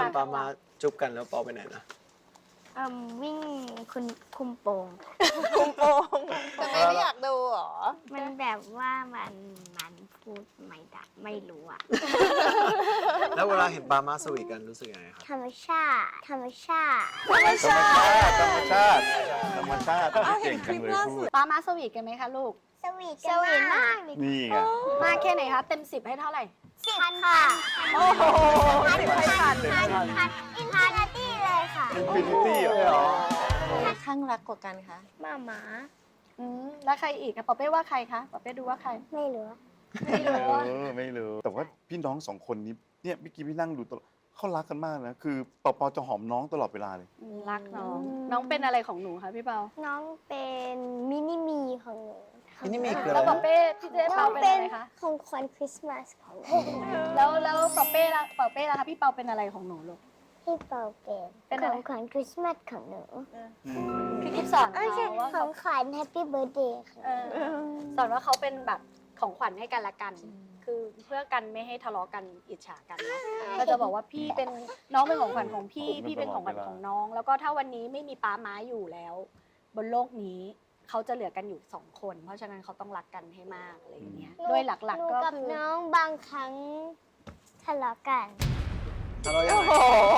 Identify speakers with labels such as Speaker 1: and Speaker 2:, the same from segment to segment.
Speaker 1: ปามาจุ๊บกันแล้วปอไปไหนนะ
Speaker 2: วิ่งคุณคุมโปง
Speaker 3: คุมโปงทำไมไม่อยากดูหรอ
Speaker 2: มันแบบว่ามันพูดไม่ได้ไม่รู้อะ
Speaker 1: แล้วเวลาเห็นปามาสวีทกันรู้สึกยังไงครับ
Speaker 2: ธรรมชาติธรรมชาติ
Speaker 4: ธรรมชาติธรรมชาติธรรมชาติเก่งจังเลยพูด
Speaker 5: ป้ามาสวีทกันไหมคะลูก
Speaker 2: สวีทมากเลย
Speaker 4: นี่ไง
Speaker 5: มากแค่ไหนคะเต็ม10ให้เท่าไหร่
Speaker 2: พันค่ะ
Speaker 5: โอ้โห10ให้พัน
Speaker 2: อินฟินิตี้เลยค่ะ
Speaker 4: อินฟินิตี้เหรอ
Speaker 3: ข้างรักกว่ากันคะ
Speaker 2: หมา
Speaker 5: แล้วใครอีกอะปอเป้ว่าใครคะปอเป้ดูว่าใคร
Speaker 2: ไม่รู้
Speaker 5: ไม่รู้ว่า
Speaker 4: ไม่รู้แต่ว่าพี่น้องสองคนนี้เนี่ยเมื่อกี้พี่นั่งดูตลอดเขารักกันมากนะคือปอปอจะหอมน้องตลอดเวลาเลย
Speaker 5: รักน้อง น้องเป็นอะไรของหนูคะพี่เปา
Speaker 2: น้องเป็นมินิมีของหนู
Speaker 1: มินิมีคืออะ
Speaker 5: แล้ว
Speaker 1: ไร
Speaker 5: ปอ
Speaker 1: นะ
Speaker 5: เป้พี่เจ๊เปาเป็นอะไรคะ
Speaker 2: ของขวัญคริสต์มาสของหนู
Speaker 5: แล้วปอเป้ละคะพี่เปาเป็นอะไรของหนูลูก
Speaker 2: พี่เปาเป็น
Speaker 5: เป็น
Speaker 2: ข
Speaker 5: อะไร
Speaker 2: องขวัญคริสต์มาสของหนู
Speaker 5: พี่กิฟสอน
Speaker 2: ไม่ใช่
Speaker 5: เขาว่า
Speaker 2: ข
Speaker 5: เขา
Speaker 2: องขวัญแฮปปี้เบิร์ดเดย์ค่ะ
Speaker 5: สอนว่าเขาเป็นแบบของขวัญให้กันละกัน คือเพื่อกันไม่ให้ทะเลาะกันอิจฉากันเนาะก็จะบอกว่าพี่เป็นน้องเป็นของขวัญของพี่พี่เป็นของขวัญของน้อง แล้วก็ถ้าวันนี้ไม่มีป้าม้าอยู่แล้ว บนโลกนี้เขาจะเหลือกันอยู่2 คน เพราะฉะนั้นเขาต้องรักกันให้มากอะไรอย่างเงี้ยโดยหลัก
Speaker 2: หนู
Speaker 5: ๆก็
Speaker 2: กับ
Speaker 5: คือ
Speaker 2: น้องบางครั้งทะเลาะกัน
Speaker 1: ทะเลาะยังไง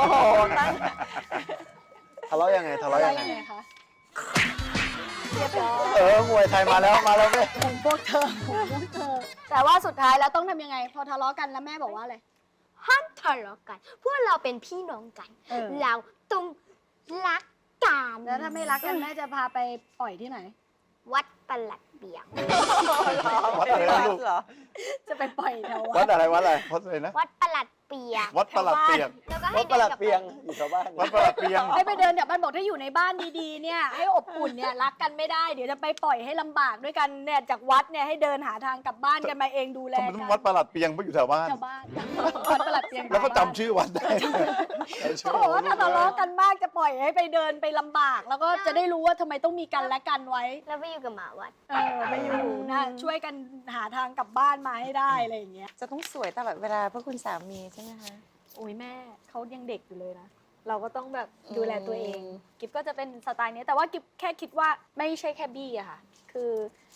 Speaker 1: ทะเลาะยังไงทะเลาะ
Speaker 5: อะไร
Speaker 1: ยังไง
Speaker 5: ยังไงคะเรียบร้อย
Speaker 1: มวยไทยมาแล้วแม่
Speaker 5: ของพวกเธอแต่ว่าสุดท้ายแล้วต้องทำยังไง พอทะเลาะกันแล้วแม่บอกว่าอะไร
Speaker 2: ห้ามทะเลาะกัน พวกเราเป็นพี่น้องกัน
Speaker 5: เออ
Speaker 2: เราต้องรักกัน
Speaker 5: แล้วถ้าไม่รักกันแม่จะพาไปปล่อยที่ไหน
Speaker 2: วัดประหลัดเบียง
Speaker 4: วัดอะไรนะลูก
Speaker 3: เหรอ
Speaker 5: จะไปปล่อยแถว
Speaker 4: วัดอะไรวัดอะไรวัดอะไรนะ
Speaker 2: วัดประหลัดเปียง
Speaker 4: วัดประหลัดเปียก
Speaker 2: แล้วก็
Speaker 1: วั
Speaker 2: ให้
Speaker 1: ดประหลัด
Speaker 2: กบ
Speaker 1: เปียงอยู่แถวบ้าน
Speaker 4: วัดประหลัดเปียง
Speaker 5: ให้ไปเดินแถวบ้านบอกถ้าอยู่ในบ้านดีๆเนี่ยให้อบอุ่นเนี่ยรักกันไม่ได้เดี๋ยวจะไปปล่อยให้ลำบากด้วยกันเนี่ยจากวัดเนี่ยให้เดินหาทางกลับบ้านกันมาเองดูแล
Speaker 4: ทำไม
Speaker 5: กั
Speaker 4: ต้องวัดประหลัดเปียงเพราะอยู่แถวบ้าน
Speaker 5: ชาวบ้านวัดประหลัดเพียง
Speaker 4: แล้วก็จำชื่อวัดได้
Speaker 5: เขาบอกว่าถ้าทะเลาะกันมากจะปล่อยให้ไปเดินไปลำบาก แล้วก็จะได้รู้ว่าทำไมต้องมีกันและกันไว้
Speaker 2: แล้วไปอยู่กับหมาวัด
Speaker 5: ไปอยู่นะช่วยกันหาทางกลับบ้านมาให้ได้อะไรอย่างเงี้ย
Speaker 3: จะต้องสวยตลอดเวลาเพื่อคุณสามีใช่ไหมคะ
Speaker 5: โอ้ยแม่เขายังเด็กอยู่เลยนะ เราก็ต้องแบบดูแลตัวเอง กิฟก็จะเป็นสไตล์นี้แต่ว่ากิฟแค่คิดว่าไม่ใช่แค่บี้อะค่ะ คือ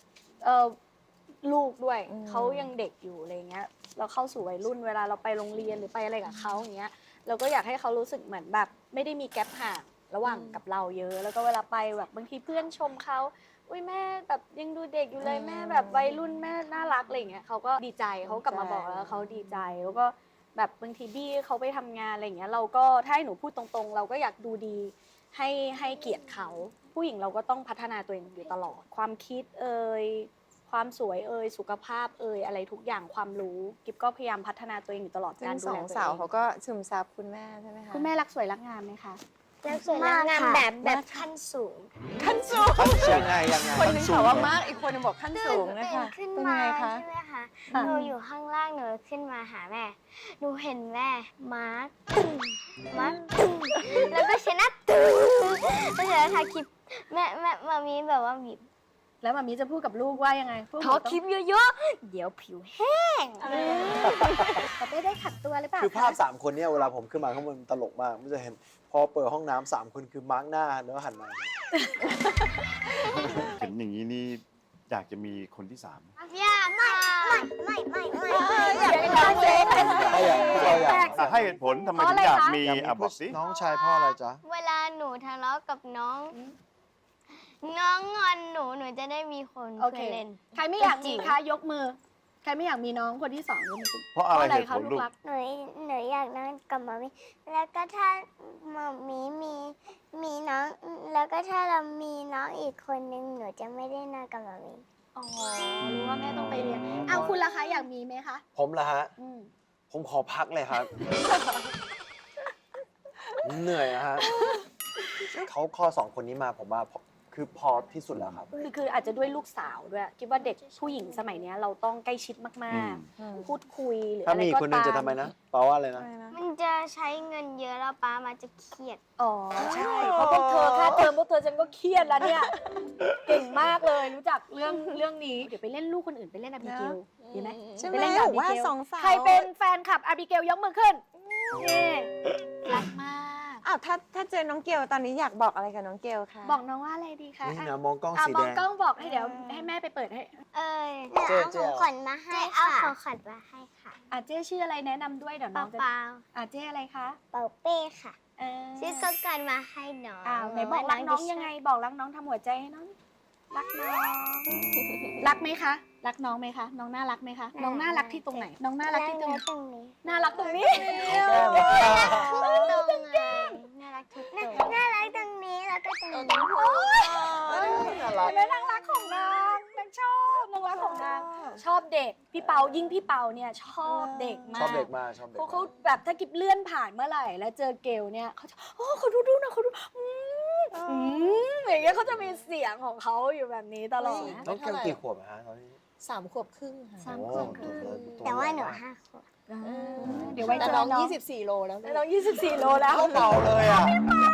Speaker 5: ลูกด้วยเขายังเด็กอยู่อะไรเงี้ยเราเข้าสู่วัยรุ่นเวลาเราไปโรงเรียนหรือไปอะไรกับเขาอย่างเงี้ยเราก็อยากให้เขารู้สึกเหมือนแบบไม่ได้มีแกลบห่างระหว่างกับเราเยอะ แล้วก็เวลาไปแบบบางทีเพื่อนชมเขาอุ้ยแม่แบบยังดูเด็กอยู่เลยแม่แบบวัยรุ่นแม่น่ารักอะไรเงี้ยเขาก็ดีใจเขากลับมาบอกแล้วเขาดีใจแล้วก็แบบบางทีบี้เขาไปทำงานอะไรเงี้ยเราก็ถ้าให้หนูพูดตรงๆ เราก็อยากดูดีให้เกียรติเขาผู้หญิงเราก็ต้องพัฒนาตัวเองอยู่ตลอดความคิดความสวยสุขภาพอะไรทุกอย่างความรู้กิฟก็พยายามพัฒนาตัวเองอยู่ตลอด
Speaker 3: ซึ่
Speaker 5: การ
Speaker 3: ง
Speaker 5: ดู
Speaker 3: สอ
Speaker 5: แล
Speaker 3: ง
Speaker 5: ตัว
Speaker 3: สาว
Speaker 5: เอง
Speaker 3: เขาก็ซึมซับคุณแม่ใช่ไหมคะ
Speaker 5: คุณแม่รักสวยรักงามไหมคะ
Speaker 2: แล้วสวยแล้วงามแบบขั้นสูง
Speaker 3: ขั้นสูง
Speaker 1: ยังไง
Speaker 3: คนหนึงบอกว่ามากอีกคนหนึงบอกขั้นสูงนะ
Speaker 2: ตื่น
Speaker 3: คะ
Speaker 2: ขึ้น
Speaker 3: เป็น
Speaker 2: มา
Speaker 3: ไงคะ
Speaker 2: ใช่ไหมคะหนูอยู่ข้างล่างหนูขึ้นมาหาแม่ หนูเห็นแม่มาร์คตึ้งมาร์คตึ้งแล้วก็ชนะตึ้งแล้วเสร็จแล้วถ่ายคลิปแม่มามีแบบว่าบีบ
Speaker 5: แล้วมามีจะพูดกับลูกว่ายังไงพวกห
Speaker 2: ข
Speaker 5: นู
Speaker 2: อ
Speaker 5: ต้อง
Speaker 2: คลิปเยอะๆ เดี๋ยวผิวแห้ง
Speaker 5: แต่ไม่ได้ขัดตัวหรือเปล่า
Speaker 1: คือภาพ3คนเนี่ยเวลาผมขึ้นมาข้างบนตลกมากมันจะเห็นพอเปิดห้องน้ำ3คนคือมาร์กหน้าแล้วหันมา
Speaker 4: เห็นอย่างนี้นี่อยากจะมีคนที่
Speaker 2: อย่าไม่อยากเป็น
Speaker 3: น้องเล็ก
Speaker 1: ถ้าอย่างเราอยาก
Speaker 4: 3ให้เหตุผลทำไมถึงอยากมีบอกสิ
Speaker 1: น้องชายพ่ออะไรจ๊ะ
Speaker 2: เวลาหนูทะเลาะกับน้องงอนหนูจะได้มีคน
Speaker 5: โอ
Speaker 2: เพื่
Speaker 5: เค
Speaker 2: อเล่น
Speaker 5: ใครไม่อยากมีคะยกมือ ใครไม่อยากมีน้องคนที่2ยกมือ
Speaker 4: เพราะอะไรเหตุ
Speaker 5: คะ
Speaker 4: ผล
Speaker 5: ลู
Speaker 4: ลู
Speaker 5: ก
Speaker 4: ก
Speaker 5: รัก
Speaker 2: หนูอยากนอนกับหมามีแล้วก็ถ้าหมามีน้องแล้วก็ถ้าเรามีน้องอีกคนนึงหนูจะไม่ได้นอนกับหมามี
Speaker 5: อ๋อรู้ว่าแม่ต้องไปเรียนเอาคุณล่ะคะอยากมีไหมคะ
Speaker 1: ผมละฮะ
Speaker 5: อืม
Speaker 1: ผมขอพักเลยครับ เหนื่อยอะฮะเขาข้อ2คนนี้มาผมว่าคือพอที่สุดแล้วครับ
Speaker 5: คืออาจจะด้วยลูกสาวด้วยคิดว่าเด็กผู้หญิงสมัยเนี้ยเราต้องใกล้ชิดมากๆ พูดคุยหรือ
Speaker 1: ถ้า
Speaker 5: อะไร
Speaker 1: มี
Speaker 5: ก็
Speaker 1: คนหนึง
Speaker 5: ตาม
Speaker 1: จะทำไมนะแปลว่าอะไรนะ
Speaker 2: มันจะใช้เงินเยอะแล้วป้ามาจะเครียด
Speaker 5: อ๋อใช่เพราะพวกเธอค่าเทอมพวกเธอฉันก็เครียดแล้วเนี่ย เก่งมากเลยรู้จักเรื่องนี้เดี๋ยวไปเล่นลูกคนอื่นไปเล่นอาบิเกลดีไหม
Speaker 3: ใช่ไหม
Speaker 5: ไปเล่นกับ
Speaker 3: บอกว่า
Speaker 5: Abigail
Speaker 3: สองสาว
Speaker 5: ใครเป็นแฟนคลับอาบิเกลยกมือขึ้นนี่
Speaker 2: รัก
Speaker 3: ถ้าเจอน้องเกลตอนนี้อยากบอกอะไรกับน้องเกลคะ
Speaker 5: บอกน้องว่าอะไรดีคะ
Speaker 1: นี่นะมองกล้อง
Speaker 5: อ่ะ
Speaker 1: สี
Speaker 5: ม
Speaker 1: แด
Speaker 5: อง
Speaker 1: ง
Speaker 5: กล้องบอกให้เดี๋ยวให้แม่ไปเปิดให้
Speaker 2: หนู
Speaker 1: เจ๊
Speaker 2: เอาของขวัญมาให้ค่ะเอาของขวัญมาให้ค่ะ
Speaker 5: เจ๊ชื่ออะไรแนะนำด้วยเดี๋ยวน้
Speaker 2: เป
Speaker 5: องจะ
Speaker 2: ล่า
Speaker 5: เจ๊อะไรคะ
Speaker 2: เป่าเป้ค่ะ
Speaker 5: เออ
Speaker 2: ซื้อของขวัญมาให้น้อง
Speaker 5: ไหนบอกรักน้องยังไง บอกรักน้องทำหัวใจให้น้องรักน้องรักไหมคะ รักน้องไหมคะ น้องน่ารักไหมคะ น้องน่ารักที่ตรงไหน น้องน่ารักที่ตรงไหน
Speaker 2: ตรงนี้
Speaker 5: น่ารักตรงนี้
Speaker 2: ตรงไงน่ารักทุกตรงน่ารักตรงนี้แล้วก็ตรงนี้
Speaker 1: น่ารัก
Speaker 5: แม่นางรักของนางนางชอบนางรักของนางชอบเด็กพี่เปายิ่งพี่เปาเนี่ยชอบเด็กมา
Speaker 1: ชอบ
Speaker 5: ก
Speaker 1: เด็กมากชอบเด็ก
Speaker 5: เขาแบบถ้ากิบเลื่อนผ่านเมื่อไหร่แล้วเจอเกลเนี่ยเขาจะเขาดูนะเขาดูอย่างเงี้ยเขาจะมีเสียงของเขาอยู่แบบนี้ตลอดนะ
Speaker 1: น้องเกลกี่ขวบอะฮะตอนนี้
Speaker 3: 3 ขวบครึ่งค่ะ
Speaker 5: สามขวบครึ่ง
Speaker 2: แต่ว่าหนู5 ขวบ
Speaker 5: เดี๋ยวไว้
Speaker 3: แต่
Speaker 5: เจอ
Speaker 3: น้อง
Speaker 5: น้อง
Speaker 3: 24 โลแล้ว
Speaker 5: น้อง24 โลแล้ว
Speaker 1: เป่าเลยอ่ะ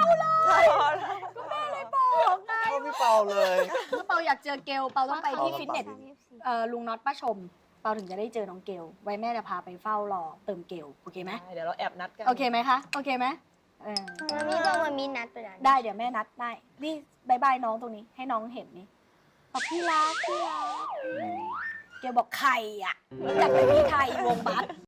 Speaker 5: บอกไง
Speaker 1: เข้าพี่เป่าเลย
Speaker 5: ถ้าเปาอยากเจอเกลเปาต้องไปที่
Speaker 1: เปา
Speaker 5: ฟิตเนส
Speaker 2: เปา
Speaker 5: ลุงน็อตป้าชมเปาถึงจะได้เจอน้องเกลไว้แม่จะพาไปเฝ้ารอเติมเกลโอเคไหม
Speaker 3: เดี๋ยวเราแอบนัดกัน
Speaker 5: โอเคไหมคะโอเคไหม
Speaker 2: มันมีบอกว่ามีนัดไปแล้ว
Speaker 5: ได้เดี๋ยวแม่นัดได้นี่บายบายน้องตรงนี้ให้น้องเห็นนี่บอกพี่รักเกลบอกไข่อ่ะรู้จักไหมพี่ไข่วงบัส